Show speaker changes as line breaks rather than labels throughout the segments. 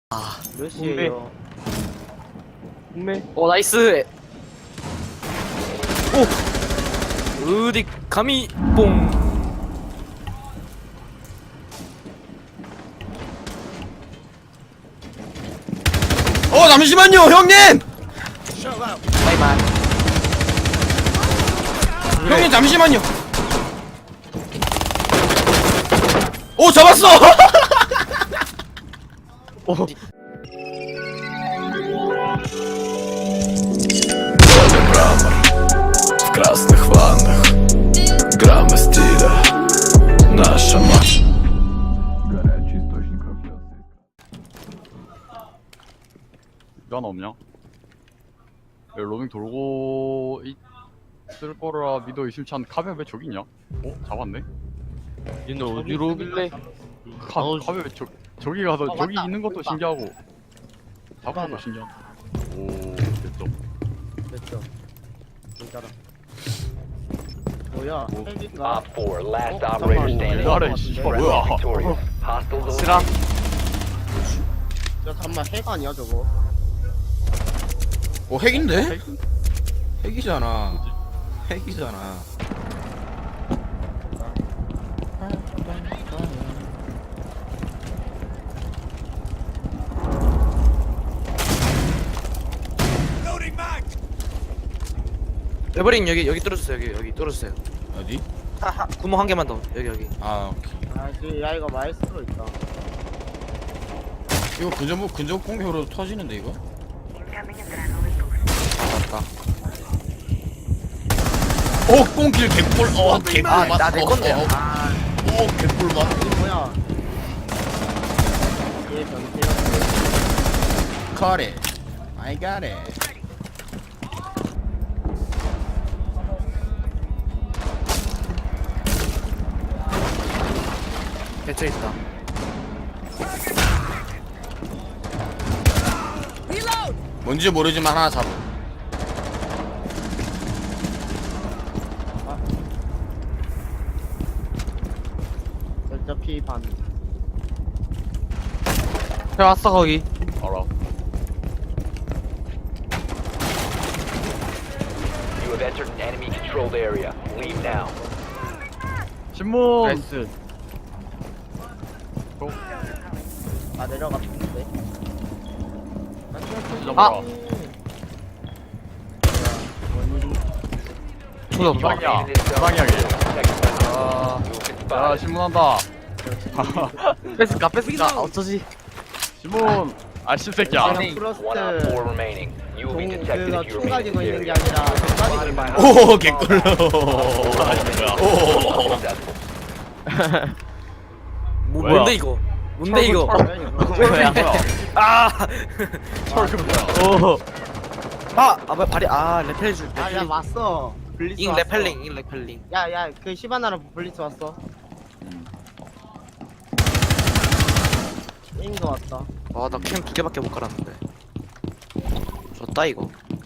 아,
몇 시에요?
분매. 나이스. 오. 어디 감히 뽕.
잠시만요, 형님!
바이바이.
형님, 잠시만요. 오, 잡았어!
В красных ваннах граммы стиля наша мать. Горячий источник радиации.
왜 하나 없냐? 여기 로밍 돌고 있을 거라 믿어 의심치 않은 카베 왜 저기 있냐? 잡았네?
얘는 어디로 오길래?
카베 왜 저기 가서 저기
맞다.
있는 것도
맞다.
신기하고 잡은
잠깐만.
것도 신기하고. 오, 됐죠.
됐죠. 진짜라. 뭐야?
뭐.
헬기인가?
Op 4, last
잠깐만.
operator standing.
기다려, 이 씨발 뭐야?
Victorious. Hostiles
쓰라.
야 잠만 핵 아니야 저거?
핵인데? 핵이잖아. 핵이잖아.
에버링 여기 뚫어주세요. 여기 뚫어주세요.
어디?
하하, 구멍 한 개만 더. 여기.
아, 오케이.
아 지금 야 이거 마이스트로 있다.
이거 근접 공격으로 터지는데, 이거? 맞다. 오, 꽁길 개꿀. 개꿀 맛.
나내 건데.
오, 개꿀 맛.
이게 뭐야? 얘 변태야.
Got it. I got it.
대처 있다.
뭔지 모르지만 하나 잡아.
어차피 반.
해 왔어 거기.
알아.
You have entered an enemy controlled area. Leave now.
신문.
나이스.
아 내려갔는데.
아!
원일이.
저도 없다.
부상이야.
In this zone,
부상이야게.
protected by the
아,
You have been
야
spotted.
신문한다.
뺏을까? 어쩌지?
신문. 아 씹새끼야.
프로스트.
One op 4 remaining. You will be detected
그거
if you
총
remain
가지고
in
있는
this
게
area.
아니라 총 가지고 있는 거야.
오, 개꿀.
Successful.
뭐야?
뭔데 이거? 뭔데 이거?
뭐야?
아!
철그 뭐야?
오. 뭐야 발이 레펠 줄.
아야 왔어. 블리츠
잉
왔어.
레펠링.
야야 그 시바나랑 블리츠 왔어. 잉도 왔다.
나 캠 2개밖에 못 깔았는데. 졌다 이거.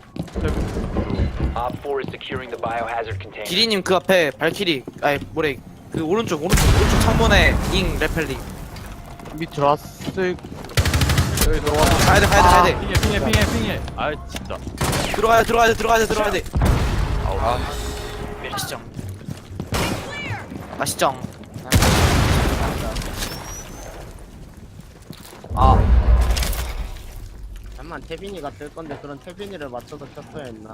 Op 4 is securing the biohazard container.
기리님 그 앞에 발키리. 뭐래? 그 오른쪽 창문에 잉 레펠링. 밑 들어왔을.
여기 들어왔다.
가야 돼.
핑해. 아 진짜.
들어가야 돼.
아우.
맛있죠.
잠만 태빈이가 뜰 건데 그런 태빈이를 맞춰서 켰어야 했나?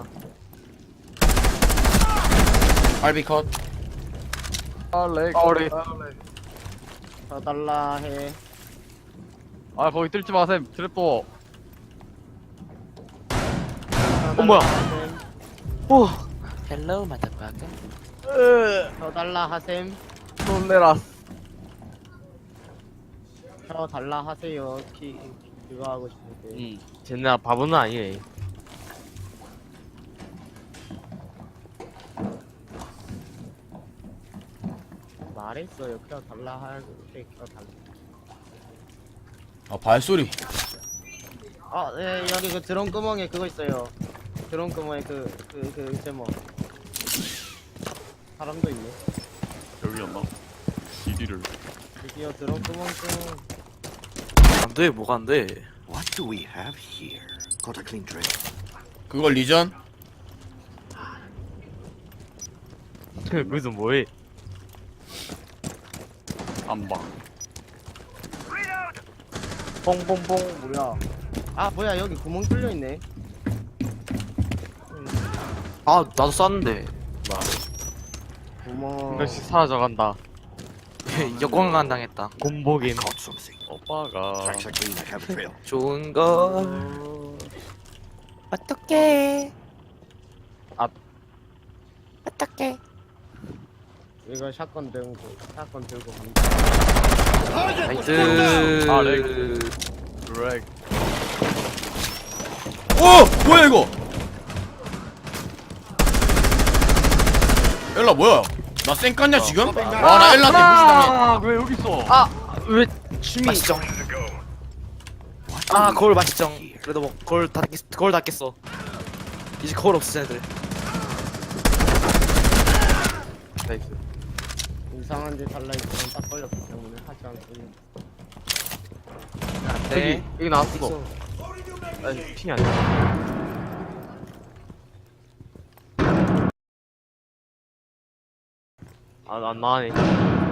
알비 컷.
우리.
더 달라 해.
아 거기 뜰지 마셈. 트랩도.
뭐야? 오. 헬로 마다바가.
더 달라 하셈.
놀래라.
더 달라 하세요. 그거 하고 싶은데.
쟤네 바보는 아니에요.
말했어요. 그냥 달라 하고 그냥 달라.
발소리.
네, 여기 그 드론 구멍에 그거 있어요. 드론 구멍에 그 제목. 사람도 있네.
여기였나? DD를.
드디어 드론 구멍 좀.
안돼 뭐가 안돼.
What do we have here? Got a clean trail.
그걸 리전?
무슨 뭐해?
안방.
뽕뽕뽕 뭐야? 아 뭐야 여기 구멍 뚫려 있네.
아 나도 쐈는데
구멍.
이것이 사라져간다.
역광간 당했다.
곰보긴.
Caught something.
오빠가
Tracks are clean. I have a trail.
좋은 걸 어떡해. 어떡해.
이거 샷건 들고 갑니다.
나이스.
아, 렉. 드랙.
오! 뭐야 이거? 엘라 뭐야? 나 쌩깠냐 지금? 와 나 엘라한테 무시당해.
아왜 여기 있어?
왜 춤이
맛있정. 아 거울 맛있정. 그래도 뭐 거울 닫겠어. 이제 거울 없어 쟤네들.
나이스.
이상한 데 달라있으면 딱 걸렸기 때문에 하지 않습니다.
네.
여기 나왔어. 아니 핑이 아니야. 안 나가네.
You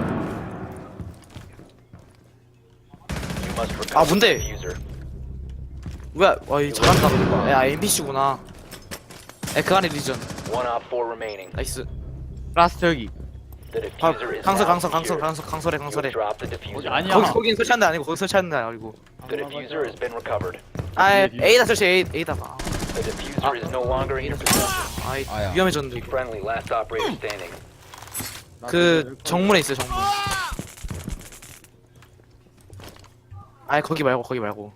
must recover
아,
the
뭔데?
diffuser.
뭐야? 와이 잘한다 그거. 야 NPC구나. 그 안에 리전.
One op 4 remaining.
나이스.
라스트 여기.
The
아,
diffuser is
강설
now
강설
secured.
강설해
You have
강설해.
dropped the diffuser.
아니야.
거긴 설치하는 데 아니고 거기 설치하는 데 아니고.
The diffuser has been recovered.
아 A다 설치 A다가.
The diffuser is no longer in your possession.
아이
아야.
위험해졌는데 이거.
Friendly, last operator standing.
그 정문에 있어요 정문. 아이 거기 말고.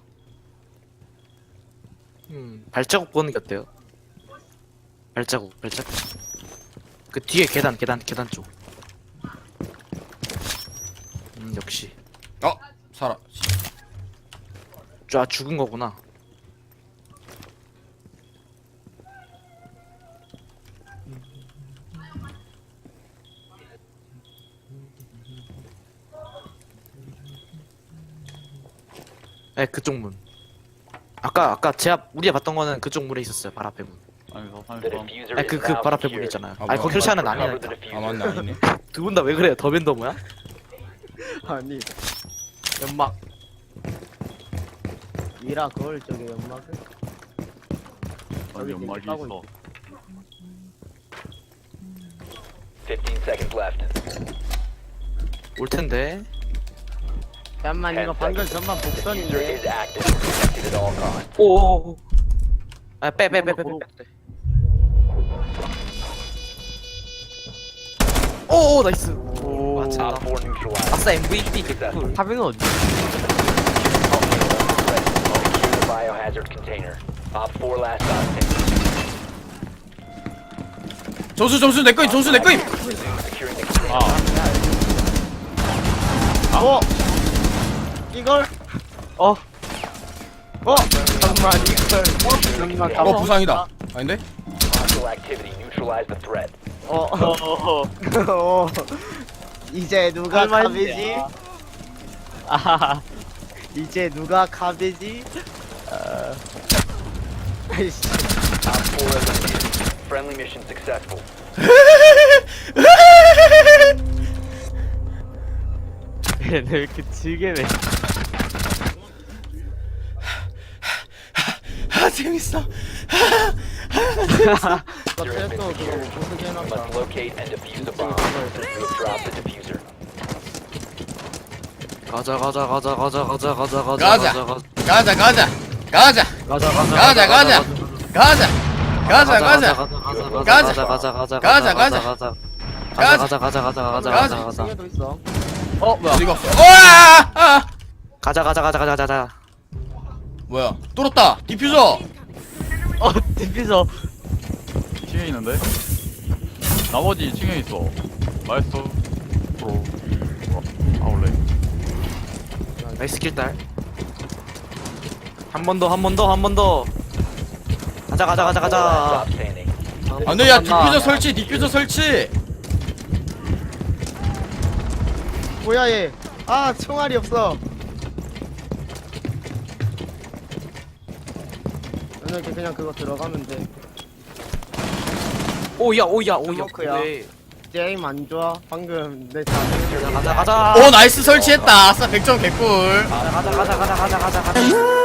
발자국 보는 게 어때요? 발자국. 그 뒤에 계단 쪽. 역시.
어 살아.
쫙 죽은 거구나. 네, 그쪽 문. 아까 우리가 봤던 거는 그쪽 문에 있었어요. 발 앞에 문.
아니 저
The
산에서
diffuser
아니
is
그
now
발 앞에 문
secured.
있잖아요.
아,
아니
뭐야.
거기 설치하는 거
Recover the
아니라니까.
아
diffuser.
맞네 아니네.
두 분 다 왜 그래요? 더벤더 뭐야?
아니
연막.
미라 거울 쪽에 연막을.
아니 연막이
까고
있어.
15 seconds left.
올 텐데.
잠깐만 이거
10
방금
seconds.
전반
The diffuser
복선인데.
is active. Protected at all costs.
오. 아, 빼. 오, 나이스.
오.
맞아.
Op 4 neutralized.
아싸 MVP
Successful.
개꿀.
파비는 어디?
Secure the biohazard container. Op 4 last op standing.
점수 내 거임.
Securing the container.
이걸 잠깐만 이걸
어 부상이다. 아닌데?
Hostile activity. Neutralize the threat.
이제 누가
설마
카베지?
아하하.
이제 누가 카베지? 아이씨.
Op 4 eliminated. Friendly mission successful.
얘네 왜 이렇게 즐겨내?
아 재밌어.
Diffuser has been
그거
secured.
보스게
You
해놨다.
must locate and defuse the bomb. You have dropped the diffuser.
가자.
중에도 있어.
뭐야?
어디가 없어? 아!
가자.
뭐야? 뚫었다. 디퓨저.
디피서.
2층에 있는데? 나머지 2층에 있어. 마이스터 프로. 아울렛.
나이스 킬딸. 한 번 더. 가자.
Stop standing.
안돼 야 디퓨저 설치.
뭐야 얘? 아 총알이 없어. 이렇게 그냥 그거 들어가면 돼.
오야 오야 오야.
스모크야.
왜?
게임 안 좋아? 방금 내 자세.
가자 가자.
오 나이스 설치했다. 아싸 100점 개꿀.
가자 가자 가자 가자 가자 가자.